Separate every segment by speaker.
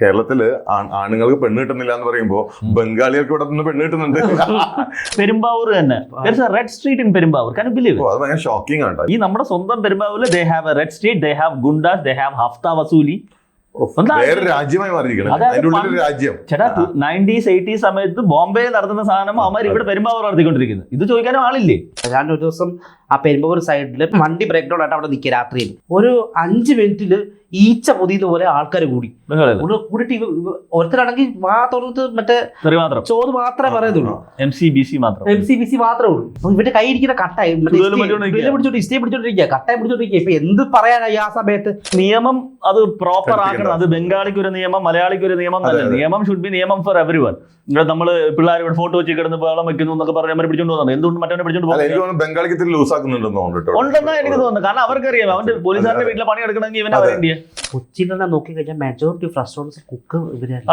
Speaker 1: കേരളത്തില് ആണുങ്ങൾക്ക് പെണ്ണ് കിട്ടുന്നില്ല എന്ന് പറയുമ്പോൾ ബംഗാളികൾക്ക് ഇവിടെ നിന്ന് പെണ്ണ് കിട്ടുന്നുണ്ട്.
Speaker 2: പെരുമ്പാവൂർ തന്നെ red street in Perumbavoor. Can you believe it?
Speaker 1: അത് ഭയങ്കര ഷോക്കിംഗ് ആണ്.
Speaker 2: ഈ നമ്മുടെ സ്വന്തം പെരുമ്പാവൂരിൽ they have a red street, they have ഗുണ്ടാസ്, they have ഹഫ്ത വസൂലി.
Speaker 1: വേറെ രാജ്യമായി മാറിയിരിക്കണം. അതിന്റെ ഉള്ളിൽ രാജ്യം.
Speaker 2: ചേട്ടാ 90s 80s സമയത്ത് ബോംബെ നടത്തുന്ന സാധനം അവന്മാർ ഇവിടെ പെരുമ്പാവൂർ നടത്തിക്കൊണ്ടിരിക്കുന്നത്. ഇത് ചോദിക്കാനും ആളില്ലേ?
Speaker 3: ഞാൻ ഒരു ദിവസം ആ പെരുമ്പാവൂർ സൈഡിൽ വണ്ടി ബ്രേക്ക് ഡൗൺ ആയിട്ട് അവിടെ നിൽക്കുക രാത്രിയിൽ. ഒരു 5 മിനിറ്റിൽ ഈച്ച പൊതിയുന്ന പോലെ ആൾക്കാർ കൂടി കൂടിയിട്ട് ഒരുത്തരാണെങ്കിൽ വാ തുറന്നിട്ട് മറ്റേ ചോറ് മാത്രമേ പറയുന്നുള്ളൂ,
Speaker 2: MCBC
Speaker 3: മാത്രമേ ഉള്ളൂ. അപ്പൊ ഇവരുടെ കൈ ഇരിക്കുന്ന കട്ടായി പിടിച്ചോണ്ടിരിക്കുക, ഇഷ്ടേ പിടിച്ചോണ്ടിരിക്കുക, കട്ടായി പിടിച്ചോണ്ടിരിക്കുക. ഇപ്പൊ എന്ത് പറയാനായി ആ സമയത്ത്?
Speaker 2: നിയമം അത് പ്രോപ്പർ ആക്കണം. അത് ബംഗാളിക്ക് ഒരു നിയമം, മലയാളിക്ക് ഒരു നിയമം തന്നെ. നിയമം ഷുഡ് ബി നിയമം ഫോർ എവരി വൺ. ഇവിടെ നമ്മള് പിള്ളേർ ഇവിടെ ഫോട്ടോ വെച്ച് കിടന്ന് വെള്ളം വെക്കുന്നു എന്നൊക്കെ പറഞ്ഞാൽ പിടിച്ചോണ്ട് പോകുന്നത് എന്തുകൊണ്ട് മറ്റവനെ പിടിച്ചോണ്ട് പോകുന്നത്
Speaker 1: ബംഗാളിക്ക് ലൂസ് ആക്കുന്നുണ്ടെന്ന്
Speaker 2: ഉണ്ടെന്നാ എനിക്ക് തോന്നുന്നു. കാരണം അവർക്കറിയാം അവന്റെ പോലീസുകാരുടെ വീട്ടിലെ പണി എടുക്കണമെങ്കിൽ ഇവനെ വേണ്ടിയ.
Speaker 3: കൊച്ചിയിൽ തന്നെ നോക്കി കഴിഞ്ഞാൽ മെജോറിറ്റി ഓഫ് റെസ്റ്റോറൻറ്റ്സ് കുക്ക് ഇവരാണ്.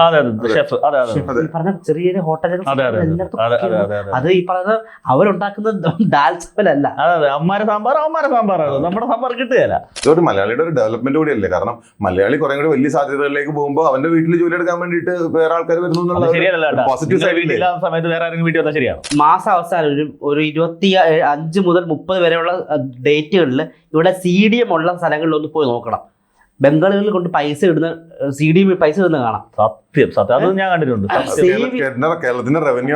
Speaker 3: പറഞ്ഞ ചെറിയ ചെറിയ ഹോട്ടലുകൾ അത് ഈ പറയുന്ന അവരുണ്ടാക്കുന്ന ദാൽ ചപ്പലല്ല.
Speaker 2: അതെ, അമ്മാരെ സാമ്പാറാണ്. നമ്മുടെ സാമ്പാർ കിട്ടുകയല്ല.
Speaker 1: ഇതൊരു മലയാളിയുടെ ഒരു ഡെവലപ്മെന്റ് കൂടിയല്ലേ. കാരണം മലയാളി കുറെ കൂടി വലിയ സാധ്യതകളിലേക്ക് പോകുമ്പോൾ അവന്റെ വീട്ടിൽ ജോലി എടുക്കാൻ വേണ്ടിയിട്ട് വേറെ ആൾക്കാർ വരുന്നു എന്നുള്ള പോസിറ്റീവ് സൈഡിൽ
Speaker 2: സമയത്ത് വേറെ ആരെങ്കിലും വീട്ടിൽ വന്നാൽ ശരിയാണ്.
Speaker 3: മാസം അവസാനം ഒരു 25 മുതൽ 30 വരെയുള്ള ഡേറ്റുകളിൽ ഇവിടെ CDM ഉള്ള സ്ഥലങ്ങളിലൊന്ന് പോയി നോക്കണം. ബംഗാളികളിൽ കൊണ്ട് പൈസ ഇടുന്ന CDM പൈസ ഇടുന്ന കാണാം.
Speaker 2: സത്യം അത് ഞാൻ കണ്ടിട്ടുണ്ട്.
Speaker 1: കേരളത്തിന്റെ റവന്യൂ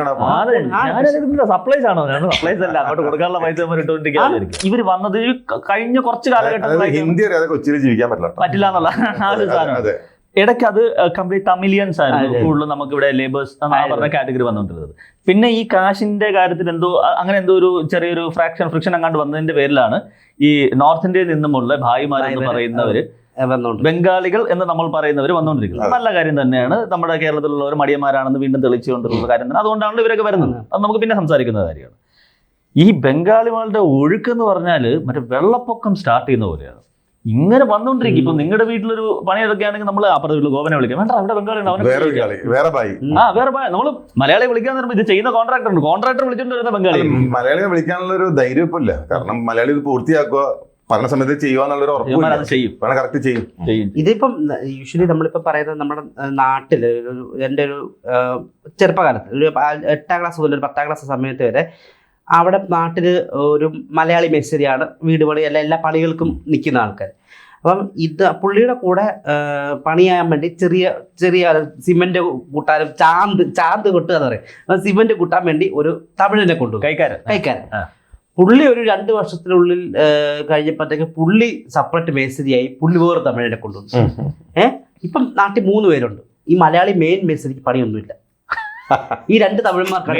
Speaker 1: ആണ്.
Speaker 2: സപ്ലൈസ് ആണോ? സപ്ലൈസ് അല്ല, അങ്ങോട്ട് കൊടുക്കാനുള്ള പൈസ ഇവര് വന്നത് കഴിഞ്ഞ കുറച്ച് കാലഘട്ടം
Speaker 1: ഹിന്ദി അറിയാതെ കൊച്ചിയിൽ ജീവിക്കാൻ
Speaker 2: പറ്റില്ല എന്നുള്ള ആ ഒരു സാധനം. ഇടയ്ക്ക് അത് കംപ്ലീറ്റ് തമിലിയൻസ് ആയിരുന്നു കൂടുതലും നമുക്ക് ഇവിടെ ലേബേഴ്സ് പറഞ്ഞ കാറ്റഗറി വന്നുകൊണ്ടിരുന്നത്. പിന്നെ ഈ കാശിന്റെ കാര്യത്തിൽ അങ്ങനെ എന്തോ ഒരു ചെറിയൊരു ഫ്രിക്ഷൻ അങ്ങാണ്ട് വന്നതിന്റെ പേരിലാണ് ഈ നോർത്ത് ഇന്ത്യയിൽ നിന്നുമുള്ള ഭായിമാർ എന്ന് പറയുന്നവര് ബംഗാളികൾ എന്ന് നമ്മൾ പറയുന്നവർ വന്നുകൊണ്ടിരിക്കുന്നത്. നല്ല കാര്യം തന്നെയാണ്. നമ്മുടെ കേരളത്തിലുള്ളവർ മടിയന്മാരാണെന്ന് വീണ്ടും തെളിച്ചുകൊണ്ടിരുന്ന കാര്യം തന്നെ. അതുകൊണ്ടാണല്ലോ ഇവരൊക്കെ വരുന്നത്. അത് നമുക്ക് പിന്നെ സംസാരിക്കുന്ന കാര്യമാണ്. ഈ ബംഗാളികളുടെ ഒഴുക്കെന്ന് പറഞ്ഞാൽ മറ്റേ വെള്ളപ്പൊക്കം സ്റ്റാർട്ട് ചെയ്യുന്ന പോലെയാണ്. ഇങ്ങനെ വന്നുകൊണ്ടിരിക്കും. ഇപ്പൊ നിങ്ങളുടെ വീട്ടിലൊരു പണിയെടുക്കുകയാണെങ്കിൽ നമ്മൾ അപ്പുറത്തെ വീട്ടിൽ ഗോവനെ വിളിക്കാം. വേണ്ട, അവിടെ ബംഗാളിയാണ്. വേറെ നമ്മള് മലയാളി വിളിക്കാൻ പറയുമ്പോൾ ഇത് ചെയ്യുന്ന കോൺട്രാക്ടർ വിളിച്ചോണ്ട് വരുന്ന ബംഗാളി.
Speaker 1: മലയാളിയെ വിളിക്കാനുള്ള ഒരു ധൈര്യം ഇപ്പൊ ഇല്ല. കാരണം മലയാളി ഇത് പൂർത്തിയാക്കുക, പറഞ്ഞ സമയത്ത് ചെയ്യുവാന്നുള്ളൊരു ഉറപ്പ് കറക്റ്റ് ചെയ്യും.
Speaker 3: ഇതിപ്പം യൂഷ്വലി നമ്മളിപ്പോ പറയുന്നത് നമ്മുടെ നാട്ടില് എൻ്റെ ഒരു ചെറുപ്പകാലത്ത് ഒരു 8ാം ക്ലാസ് മുതൽ ഒരു 10ാം ക്ലാസ് സമയത്ത് വരെ അവിടെ നാട്ടിൽ ഒരു മലയാളി മേസ്തിരിയാണ് വീട് പണി എല്ലാ പണികൾക്കും നിൽക്കുന്ന ആൾക്കാർ. അപ്പം പുള്ളിയുടെ കൂടെ പണിയാൻ വേണ്ടി ചെറിയ ചെറിയ സിമെന്റ് കൂട്ടാനും ചാന്ത് കൊട്ടുക എന്ന് പറയും. സിമെന്റ് കൂട്ടാൻ വേണ്ടി ഒരു തമിഴിനെ കൊണ്ടുപോകും, കൈക്കാരൻ. പുള്ളി ഒരു 2 വർഷത്തിനുള്ളിൽ കഴിഞ്ഞപ്പോഴത്തേക്ക് പുള്ളി സെപ്പറേറ്റ് മേസ്തിരിയായി. പുള്ളി വേറെ തമിഴിനെ കൊണ്ടുവന്നു. ഇപ്പം നാട്ടിൽ 3 പേരുണ്ട്. ഈ മലയാളി മെയിൻ മേസ്തിരിക്ക് പണിയൊന്നുമില്ല. ഈ 2 തമിഴന്മാർക്കാണ്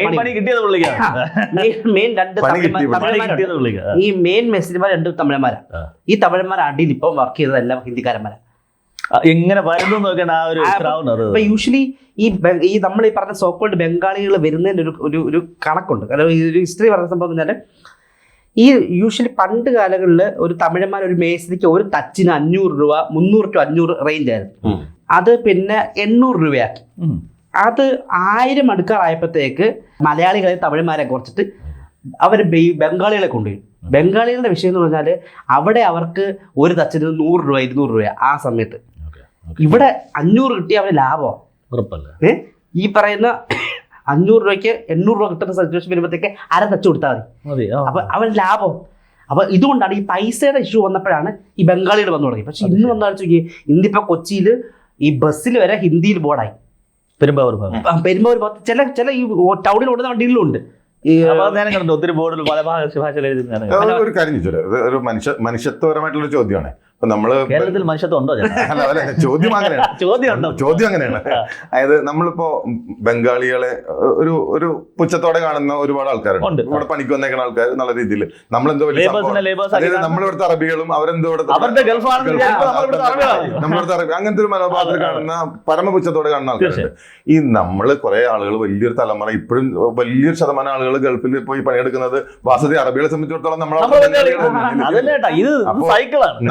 Speaker 3: ഈ മെയിൻ മേസ്തിരിമാർ 2 തമിഴന്മാരാണ്. ഈ തമിഴന്മാർ അടിയിൽ ഇപ്പം വർക്ക് ചെയ്തത് എല്ലാം ഹിന്ദിക്കാരന്മാരാണ്.
Speaker 2: എങ്ങനെ വരുന്നു നോക്കേണ്ട ആ ഒരു
Speaker 3: യൂഷ്വലി ഈ നമ്മൾ ഈ പറഞ്ഞ സോക്കോൾഡ് ബംഗാളികൾ വരുന്നതിന് ഒരു കണക്കുണ്ട്. കാരണം ഈ ഒരു ഹിസ്റ്ററി പറഞ്ഞ സംഭവം എന്ന് പറഞ്ഞാൽ ഈ യൂഷ്വലി പണ്ട് കാലങ്ങളിൽ ഒരു തമിഴന്മാർ ഒരു മേസ്തിരിക്ക് ഒരു തച്ചിന് 500 രൂപ, 300 to 500 റേഞ്ച് ആയിരുന്നു. അത് പിന്നെ 800 രൂപയാക്കി. അത് 1000 അടുക്കാറായപ്പോഴത്തേക്ക് മലയാളികളെ തമിഴന്മാരെ കുറച്ചിട്ട് അവർ ബംഗാളികളെ കൊണ്ടുപോയി. ബംഗാളികളുടെ വിഷയം എന്ന് പറഞ്ഞാൽ അവിടെ അവർക്ക് ഒരു തച്ചിന് 100 രൂപ 200 രൂപ ആ സമയത്ത്. ഇവിടെ 500 കിട്ടിയ അവന് ലാഭമാണ്. ഈ പറയുന്ന 500 രൂപയ്ക്ക് 800 രൂപ കിട്ടുന്ന സിറ്റുവേഷൻ വരുമ്പോഴത്തേക്ക് അര തച്ച് കൊടുത്താൽ മതി. അപ്പൊ അവൻ ലാഭം. അപ്പൊ ഇതുകൊണ്ടാണ് ഈ പൈസയുടെ ഇഷ്യൂ വന്നപ്പോഴാണ് ഈ ബംഗാളികൾ വന്നു തുടങ്ങി. പക്ഷെ ഇന്ന് വന്നാൽ ഇന്നിപ്പോ കൊച്ചിയിൽ ഈ ബസ്സിൽ വരെ ഹിന്ദിയിൽ ബോർഡായി. പെരുമ്പാവൂർ ചില ഈ ടൗണിൽ ഓടുന്ന വണ്ടികളിലും ഉണ്ട്.
Speaker 2: ഒത്തിരി ബോർഡിൽ പല ഭാഷയിൽ
Speaker 1: ഒരു കാര്യം ചോദിച്ചോ, ഒരു മനുഷ്യത്വപരമായിട്ടുള്ള ചോദ്യമാണ്. ഇപ്പൊ നമ്മള്
Speaker 2: കേരളത്തിൽ മനുഷ്യത്വം ഉണ്ടോ?
Speaker 1: ചോദ്യം അങ്ങനെയാണ്. അതായത് നമ്മളിപ്പോ ബംഗാളികളെ ഒരു പുച്ഛത്തോടെ കാണുന്ന ഒരുപാട് ആൾക്കാരുണ്ട്. ഇവിടെ പണിക്ക് വന്നേക്കുന്ന ആൾക്കാർ നല്ല രീതിയിൽ നമ്മളെന്തോ നമ്മളിവിടുത്തെ അറബികളും അവരെന്തോ നമ്മളിവിടുത്തെ അറബി അങ്ങനത്തെ ഒരു മനോഭാവത്തിൽ കാണുന്ന പരമപുച്ഛത്തോടെ കാണുന്ന ആൾക്കാരുണ്ട്. ഈ നമ്മള് കുറെ ആളുകൾ വലിയൊരു തലമുറ ഇപ്പോഴും വലിയൊരു ശതമാനം ആളുകൾ ഗൾഫിൽ പോയി പണിയെടുക്കുന്നത് വാസതി അറബികളെ സംബന്ധിച്ചിടത്തോളം നമ്മൾ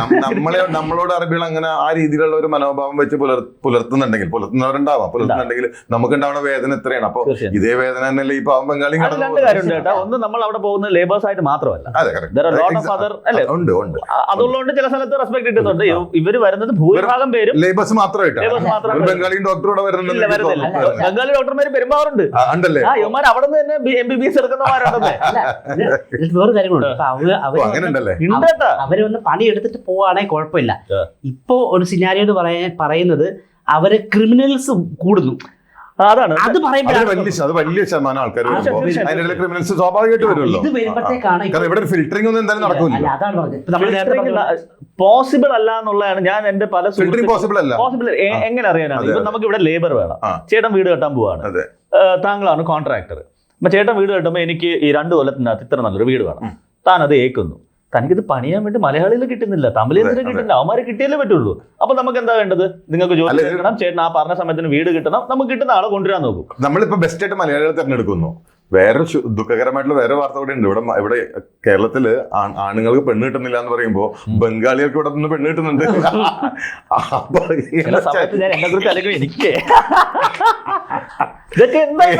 Speaker 1: നമ്മളോട് അറബികൾ അങ്ങനെ ആ രീതിയിലുള്ള ഒരു മനോഭാവം വെച്ച് പുലർത്തുന്നുണ്ടെങ്കിൽ നമുക്ക് ഉണ്ടാവുന്ന വേദന എത്രയാണ്. അപ്പൊ ഇതേ വേദന തന്നെയല്ലേ ഈ പാവം ബംഗാളി
Speaker 2: രണ്ട് കാര്യമുണ്ട് കേട്ടോ. ഒന്ന്, നമ്മൾ അവിടെ പോകുന്ന ലേബേഴ്സ് ആയിട്ട് മാത്രമല്ല, അതുള്ളതുകൊണ്ട് ചില സ്ഥലത്ത് റെസ്പെക്ട് കിട്ടുന്നുണ്ട്. ഇവര് വരുന്നത് ഭൂരിഭാഗം പേരും
Speaker 1: ലേബേഴ്സ് മാത്രമായിട്ടാണ്. ബംഗാളിയും ഡോക്ടറോടെ വരുന്നില്ല.
Speaker 2: ബംഗാളി ഡോക്ടർമാര് പെരുമാറുണ്ട്. ഇവന്മാർ അവിടെ നിന്ന് തന്നെ MBBS എടുക്കുന്നവരുണ്ടെന്നേ.
Speaker 3: വേറെ കാര്യങ്ങളുണ്ട്. അവര് വന്ന് പണി എടുത്തിട്ട് പോവാണെങ്കിൽ കുഴപ്പമില്ല. ഇപ്പോ ഒരു സിനാരിയോ എന്ന് പറയുന്നത് അവര് ക്രിമിനൽസ് കൂടുന്നു.
Speaker 2: അതാണ്
Speaker 3: അത്
Speaker 1: വലിയ ശതമാനം ആൾക്കാർ ക്രിമിനൽസ് സ്വാഭാവികമായിട്ട് വരുമല്ലോ.
Speaker 3: ഇത് വരുമ്പോഴത്തേക്കാണ്
Speaker 1: ഇവിടെ ഫിൽറ്ററിംഗ് ഒന്നും എന്തായാലും നടക്കില്ല.
Speaker 3: അതാണ് പറഞ്ഞത്.
Speaker 2: പോസിബിൾ അല്ല എന്നുള്ളതാണ് ഞാൻ എന്റെ പല
Speaker 1: പോസിബിൾ
Speaker 2: എങ്ങനെ അറിയാനാണ്. ഇപ്പൊ നമുക്ക് ഇവിടെ ലേബർ വേണം. ചേട്ടൻ വീട് കെട്ടാൻ പോവാണ്, താങ്കളാണ് കോൺട്രാക്ടർ. അപ്പൊ ചേട്ടൻ വീട് കെട്ടുമ്പോൾ എനിക്ക് ഈ 2 കൊല്ലത്തിനകത്ത് ഇത്ര നല്ലൊരു വീട് വേണം. താൻ അത് ഏക്കുന്നു. തനിക്കിത് പണിയാൻ വേണ്ടി മലയാളികൾ കിട്ടുന്നില്ല, തമിഴിന് കിട്ടുന്നില്ല, അവന്മാരെ കിട്ടിയാലേ പറ്റുള്ളൂ. അപ്പൊ നമുക്ക് എന്താ വേണ്ടത്? നിങ്ങൾക്ക് ജോലി കിട്ടണം, ചേട്ടൻ ആ പറഞ്ഞ സമയത്തിന് വീട് കിട്ടണം, നമുക്ക് കിട്ടുന്ന ആളെ കൊണ്ടുവരാൻ നോക്കും.
Speaker 1: നമ്മളിപ്പോ ബെസ്റ്റ് ആയിട്ട് മലയാളികൾ തിരഞ്ഞെടുക്കുന്നു. വേറെ ദുഃഖകരമായിട്ടുള്ള വേറെ വാർത്ത കൂടെ ഉണ്ട്. ഇവിടെ കേരളത്തില് ആണുങ്ങൾക്ക് പെണ്ണ് കിട്ടുന്നില്ല എന്ന് പറയുമ്പോ ബംഗാളികൾക്ക് ഇവിടെ നിന്ന് പെണ്ണ് കിട്ടുന്നുണ്ട്. അപ്പൊ
Speaker 2: ഞാൻ എന്നെ കുറിച്ച് അല്ലെങ്കിൽ എനിക്ക് ഇതൊക്കെ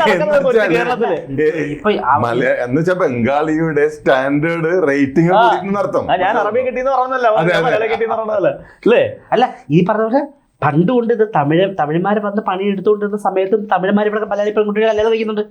Speaker 1: എന്ന് വെച്ചാൽ ബംഗാളിയുടെ സ്റ്റാൻഡേർഡ് റേറ്റിംഗ് അർത്ഥം.
Speaker 2: ഞാൻ അറബി കിട്ടിയെന്ന് പറഞ്ഞല്ലോ, മലയാളം കിട്ടിയെന്ന് പറഞ്ഞതല്ലേ അല്ലേ?
Speaker 3: അല്ല, ഈ പറഞ്ഞ പോലെ പണ്ടുകൊണ്ട് ഇത് തമിഴന്മാര് വന്ന് പണി എടുത്തുകൊണ്ടിരുന്ന സമയത്തും തമിഴന്മാർ ഇവിടെ മലയാളി പെൺകുട്ടികൾ കല്യാണം കഴിക്കുന്നുണ്ട്.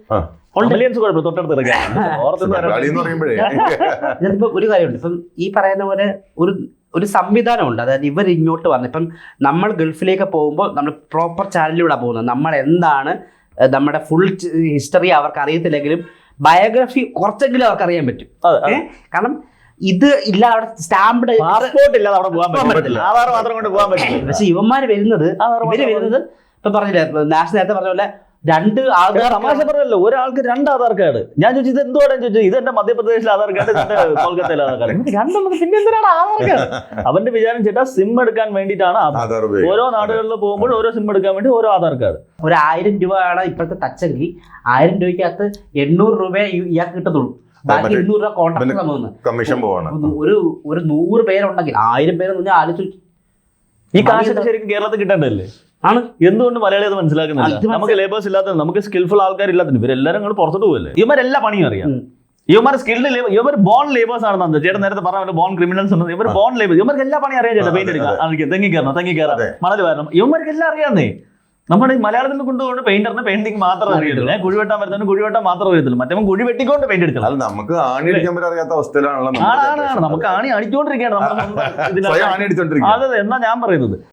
Speaker 3: ഒരു കാര്യമുണ്ട്. ഇപ്പം ഈ പറയുന്ന പോലെ ഒരു സംവിധാനമുണ്ട്. അതായത് ഇവർ ഇങ്ങോട്ട് വന്ന് ഇപ്പം നമ്മൾ ഗൾഫിലേക്ക് പോകുമ്പോൾ നമ്മൾ പ്രോപ്പർ ചാനലിലൂടെ പോകുന്നത്. നമ്മൾ എന്താണ് നമ്മുടെ ഫുൾ ഹിസ്റ്ററി അവർക്ക് അറിയത്തില്ലെങ്കിലും ബയോഗ്രഫി കുറച്ചെങ്കിലും അവർക്ക് അറിയാൻ പറ്റും. കാരണം ഇത് ഇല്ലാതെ അവിടെ സ്റ്റാമ്പ്ഡ്
Speaker 2: പാസ്പോർട്ട് ഇല്ലാതെ അവിടെ പോകാൻ പറ്റില്ല, ആധാർ മാത്രം കൊണ്ട് പോകാൻ പറ്റില്ല.
Speaker 3: പക്ഷെ ഇവന്മാര് വരുന്നത് ഇപ്പൊ പറഞ്ഞില്ലേ, നാഷണൽ നേരത്തെ പറഞ്ഞ പോലെ 2 ആധാർ.
Speaker 2: തമാശ പറഞ്ഞല്ലോ, ഒരാൾക്ക് 2 ആധാർ കാർഡ്. ഞാൻ ചോദിച്ചത് എന്തുകൊണ്ടാണ് ചോദിച്ചത്, ഇത് എന്റെ മധ്യപ്രദേശിലെ ആധാർ കാർഡ്, ഇതിന്റെ കൊൽക്കത്തയിലെ ആധാർ കാർഡ്. രണ്ടെണ്ണം പിന്നെ എന്തിനാണ് ആധാർ കാർഡ്? അവന്റെ വിചാരം ചേട്ടാ സിം എടുക്കാൻ വേണ്ടിയിട്ടാണ് ആധാർ. ഓരോ നാടുകളിൽ പോകുമ്പോൾ ഓരോ സിം എടുക്കാൻ വേണ്ടി ഓരോ ആധാർ കാർഡ്.
Speaker 3: ഒരു 1000 രൂപയാണ് ഇപ്പോഴത്തെ ടച്ചെങ്കിൽ 1000 രൂപയ്ക്കകത്ത് 800 രൂപ ഇയാൾക്ക് കിട്ടത്തുള്ളൂ. ബാക്കി 200 രൂപ കോൺട്രാക്ട്
Speaker 1: കമ്മീഷൻ പോവാണ്.
Speaker 3: ഒരു 100 പേരുണ്ടെങ്കിൽ 1000 പേരെന്ന് പറഞ്ഞാൽ ആലോചിച്ചു.
Speaker 2: ഈ കാശൊക്കെ ശരിക്കും കേരളത്തിൽ കിട്ടേണ്ടല്ലേ
Speaker 3: ആണ്.
Speaker 2: എന്തുകൊണ്ട് മലയാളി അത് മനസ്സിലാക്കുന്നില്ല? നമുക്ക് ലേബേഴ്സ് ഇല്ലാത്ത, നമുക്ക് സ്കിൽഫുൾ ആൾക്കാരില്ലാത്ത, ഇവരെല്ലാരും നിങ്ങൾ പുറത്തോട്ട് പോകല്ലേ. ഇവരെല്ലാ പണിയും അറിയാം. ഇവന്മാർ സ്കിൽഡ് ഇവർ ബോൺ ലേബേഴ്സ് ആണെന്ന് ചേട്ടൻ നേരത്തെ പറഞ്ഞ ബോൺ ക്രിമിനൽസ് ഉണ്ട്. ഇവർ ബോൺ ലേബേഴ്സ്. ഇവർക്ക് എല്ലാ പണിയും അറിയാം ചേട്ടാ. പെയിന്റ് എടുക്കാം, തെങ്ങി കയറാം, മണൽ വരണം. ഇവന്മാർക്ക് എല്ലാം അറിയാന്നേ. നമ്മുടെ ഈ മലയാളത്തിൽ കൊണ്ടുകൊണ്ട് പെയിന്ററിന് പെയിന്റിംഗ് മാത്രം അറിയത്തില്ല, കുഴിവെട്ടാൻ വരുന്നവന് കുഴിവെട്ടാൻ മാത്രം അറിയത്തില്ല, മറ്റേ കുഴി വെട്ടിക്കൊണ്ട് പെയിന്റ് എടുക്കണം.
Speaker 1: അത് നമുക്ക് ആണി അടിക്കാൻ അറിയാത്ത അവസ്ഥയിലാണല്ലോ.
Speaker 2: നമുക്ക് ആണി അടിച്ചുകൊണ്ടിരിക്കുകയാണ്. അതെ, എന്നാ ഞാൻ പറയുന്നത്.